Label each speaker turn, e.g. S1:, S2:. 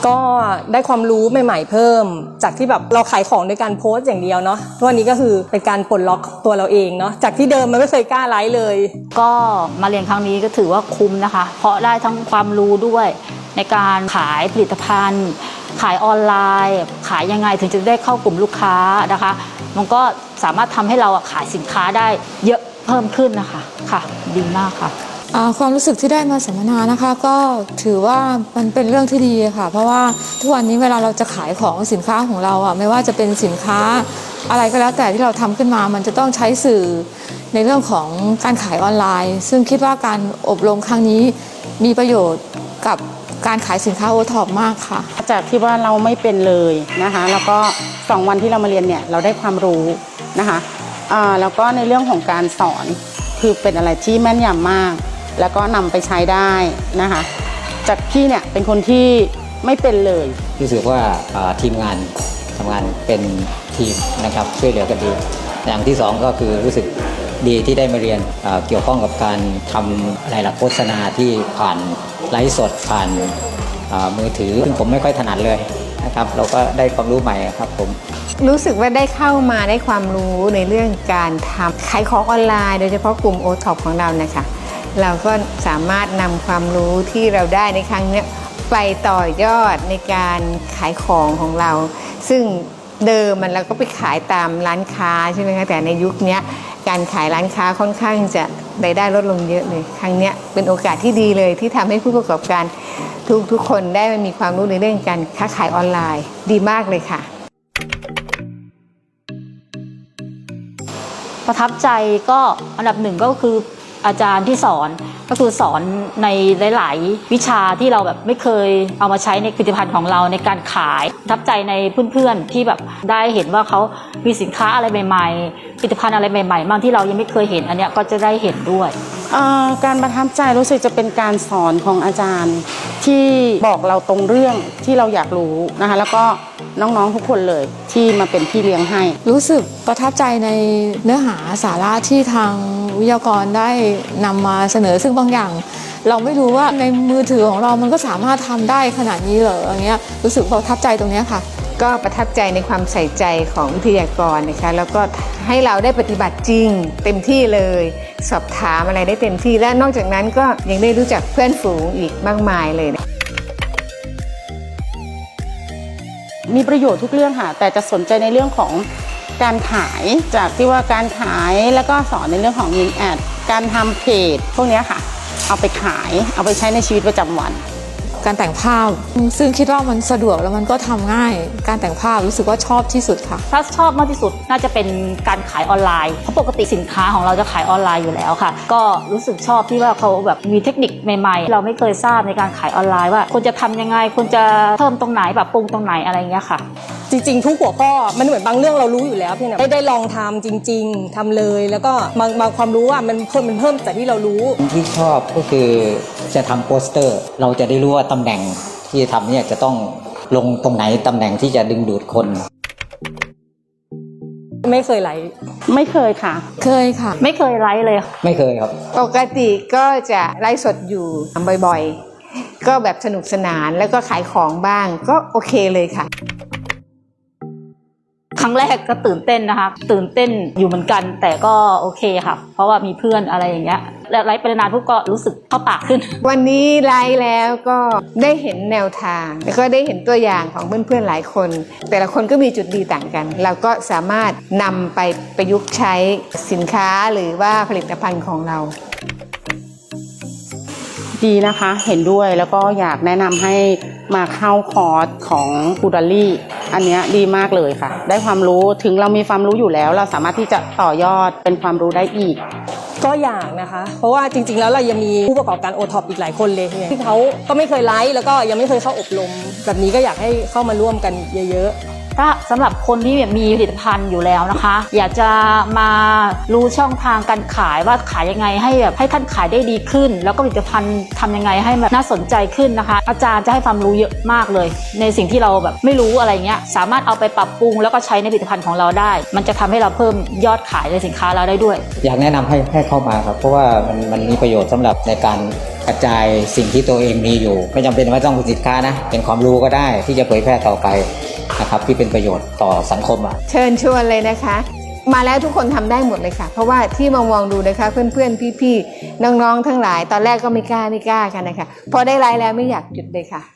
S1: ก็ได้ความรู้ใหม่ๆเพิ่มจากที่แบบเราขายของด้วยการโพสต์อย่างเดียวเนาะวันนี้ก็คือเป็นการปลดล็อกตัวเราเองเนาะจากที่เดิมมันไม่เคยกล้าไลฟ์เลย
S2: ก็มาเรียนครั้งนี้ก็ถือว่าคุ้มนะคะเพราะได้ทั้งความรู้ด้วยในการขายผลิตภัณฑ์ขายออนไลน์ขายยังไงถึงจะได้เข้ากลุ่มลูกค้านะคะมันก็สามารถทำให้เราขายสินค้าได้เยอะเพิ่มขึ้นนะคะค่ะดีมากค่ะ
S3: ความรู้สึกที่ได้มาสัมมนานะคะก็ถือว่ามันเป็นเรื่องที่ดีค่ะเพราะว่าทุกวันนี้เวลาเราจะขายของสินค้าของเราไม่ว่าจะเป็นสินค้าอะไรก็แล้วแต่ที่เราทำขึ้นมามันจะต้องใช้สื่อในเรื่องของการขายออนไลน์ซึ่งคิดว่าการอบรมครั้งนี้มีประโยชน์กับการขายสินค้าโอท็อปมากค่ะ
S4: จากที่ว่าเราไม่เป็นเลยนะคะแล้วก็2 วันที่เรามาเรียนเนี่ยเราได้ความรู้นะคะแล้วก็ในเรื่องของการสอนคือเป็นอะไรที่แม่นยำมากแล้วก็นำไปใช้ได้นะคะจากพี่เนี่ยเป็นคนที่ไม่เป็นเลย
S5: รู้สึกว่าทีมงานทำงานเป็นทีมนะครับช่วยเหลือกันดีอย่างที่2ก็คือรู้สึกดีที่ได้มาเรียนเกี่ยวข้องกับการทำอะไรโฆษณาที่ผ่านไลฟ์สดผ่านมือถือซึ่งผมไม่ค่อยถนัดเลยนะครับเราก็ได้ความรู้ใหม่ครับผม
S6: รู้สึกว่าได้เข้ามาได้ความรู้ในเรื่องการทำขายของออนไลน์โดยเฉพาะกลุ่ม OTOP ของเรานะคะเราก็สามารถนำความรู้ที่เราได้ในครั้งนี้ไปต่อยอดในการขายของของเราซึ่งเดิมเราก็ไปขายตามร้านค้าใช่ไหมคะแต่ในยุคนี้การขายร้านค้าค่อนข้างจะรายได้ลดลงเยอะเลยครั้งนี้เป็นโอกาสที่ดีเลยที่ทำให้ผู้ประกอบการทุกคนได้มีความรู้ในเรื่องการค้าขายออนไลน์ดีมากเลยค่ะ
S2: ประทับใจก็อันดับ1ก็คืออาจารย์ที่สอนก็คือสอนในหลายๆวิชาที่เราแบบไม่เคยเอามาใช้ในผลิตภัณฑ์ของเราในการขายประทับใจในเพื่อนๆที่แบบได้เห็นว่าเขามีสินค้าอะไรใหม่ๆผลิตภัณฑ์อะไรใหม่ๆบางที่เรายังไม่เคยเห็นอันเนี้ยก็จะได้เห็นด้วย
S4: การประทับใจรู้สึกจะเป็นการสอนของอาจารย์ที่บอกเราตรงเรื่องที่เราอยากรู้นะคะแล้วก็น้องๆทุกคนเลยที่มาเป็นพี่เลี้ยงให้
S3: รู้สึกประทับใจในเนื้อหาสาระที่ทางวิทยากรได้นำมาเสนอซึ่งบางอย่างเราไม่รู้ว่าในมือถือของเรามันก็สามารถทำได้ขนาดนี้เหรออย่างเงี้ยรู้สึกประทับใจตรงนี้ค่ะ
S6: ก็ประทับใจในความใส่ใจของวิทยากรนะคะแล้วก็ให้เราได้ปฏิบัติจริงเต็มที่เลยสอบถามอะไรได้เต็มที่และนอกจากนั้นก็ยังได้รู้จักเพื่อนฝูงอีกมากมายเลย
S4: มีประโยชน์ทุกเรื่องค่ะแต่จะสนใจในเรื่องของการขายจากที่ว่าการขายแล้วก็สอนในเรื่องของยิงแอดการทำเพจพวกนี้ค่ะเอาไปขายเอาไปใช้ในชีวิตประจำวัน
S3: การแต่งภาพซึ่งคิดว่ามันสะดวกแล้วมันก็ทำง่ายการแต่งภาพรู้สึกว่าชอบที่สุดค่ะ
S2: ถ้าชอบมากที่สุดน่าจะเป็นการขายออนไลน์เพราะปกติสินค้าของเราจะขายออนไลน์อยู่แล้วค่ะก็รู้สึกชอบที่ว่าเขาแบบมีเทคนิคใหม่ๆเราไม่เคยทราบในการขายออนไลน์ว่าควรจะทำยังไงควรจะเพิ่มตรงไหนแบบปรุงตรงไหนอะไรเงี้ยค่ะ
S1: จริงๆทุกหัวข้อมันเหมือนบางเรื่องเรารู้อยู่แล้วพี่นะได้ลองทำจริงๆทำเลยแล้วก็บางความรู้มันเพิ่มจากที่เรารู้
S5: ที่ชอบก็คือจะทำโปสเตอร์เราจะได้รู้ว่าตำแหน่งที่ทำเนี่ยจะต้องลงตรงไหนตำแหน่งที่จะดึงดูดคน
S1: ไม่เคยไลฟ์
S4: ไม่เคยค่ะ
S3: เคยค่ะ
S2: ไม่เคยไลฟ์เลย
S5: ไม่เคยครับ
S6: ปกติก็จะไลฟ์สดอยู่บ่อยๆก็แบบสนุกสนานแล้วก็ขายของบ้างก็โอเคเลยค่ะ
S2: ครั้งแรกก็ตื่นเต้นนะคะตื่นเต้นอยู่เหมือนกันแต่ก็โอเคค่ะเพราะว่ามีเพื่อนอะไรอย่างเงี้ยและไลฟ์ไปนานพวกก็รู้สึกเข้าปากขึ้น
S6: วันนี้ไลฟ์แล้วก็ได้เห็นแนวทางแล้วก็ได้เห็นตัวอย่างของเพื่อนๆหลายคนแต่ละคนก็มีจุดดีต่างกันเราก็สามารถนำไปประยุกต์ใช้สินค้าหรือว่าผลิตภัณฑ์ของเรา
S4: ดีนะคะเห็นด้วยแล้วก็อยากแนะนำให้มาเข้าคอร์สของคูดาลี่อันนี้ดีมากเลยค่ะได้ความรู้ถึงเรามีความรู้อยู่แล้วเราสามารถที่จะต่อยอดเป็นความรู้ได้อีก
S1: ก็อยากนะคะเพราะว่าจริงๆแล้วเรายังมีผู้ประกอบการ OTOP อีกหลายคนเลยที่เขาก็ไม่เคยไลฟ์แล้วก็ยังไม่เคยเข้าอบรมแบบนี้ก็อยากให้เข้ามาร่วมกันเยอะ
S2: ถ้าสำหรับคนที่มีผลิตภัณฑ์อยู่แล้วนะคะอยากจะมารู้ช่องทางการขายว่าขายยังไงให้ท่านขายได้ดีขึ้นแล้วก็ผลิตภัณฑ์ทำยังไงให้แบบน่าสนใจขึ้นนะคะอาจารย์จะให้ความรู้เยอะมากเลยในสิ่งที่เราแบบไม่รู้อะไรเงี้ยสามารถเอาไปปรับปรุงแล้วก็ใช้ในผลิตภัณฑ์ของเราได้มันจะทำให้เราเพิ่มยอดขายในสินค้าเราได้ด้วย
S5: อยากแนะนำให้เข้ามาครับเพราะว่ามันมีประโยชน์สำหรับในการกระจายสิ่งที่ตัวเองมีอยู่ ไม่จำเป็นว่าต้องเป็นสินค้านะเป็นความรู้ก็ได้ที่จะเผยแพร่ต่อไปนะครับที่เป็นประโยชน์ต่อสังคม
S6: เชิญชวนเลยนะคะ มาแล้วทุกคนทำได้หมดเลยค่ะเพราะว่าที่มองดูนะคะเพื่อนๆพี่ๆน้องๆทั้งหลายตอนแรกก็ไม่กล้ากันนะคะพอได้ไลฟ์แล้วไม่อยากหยุดเลยค่ะ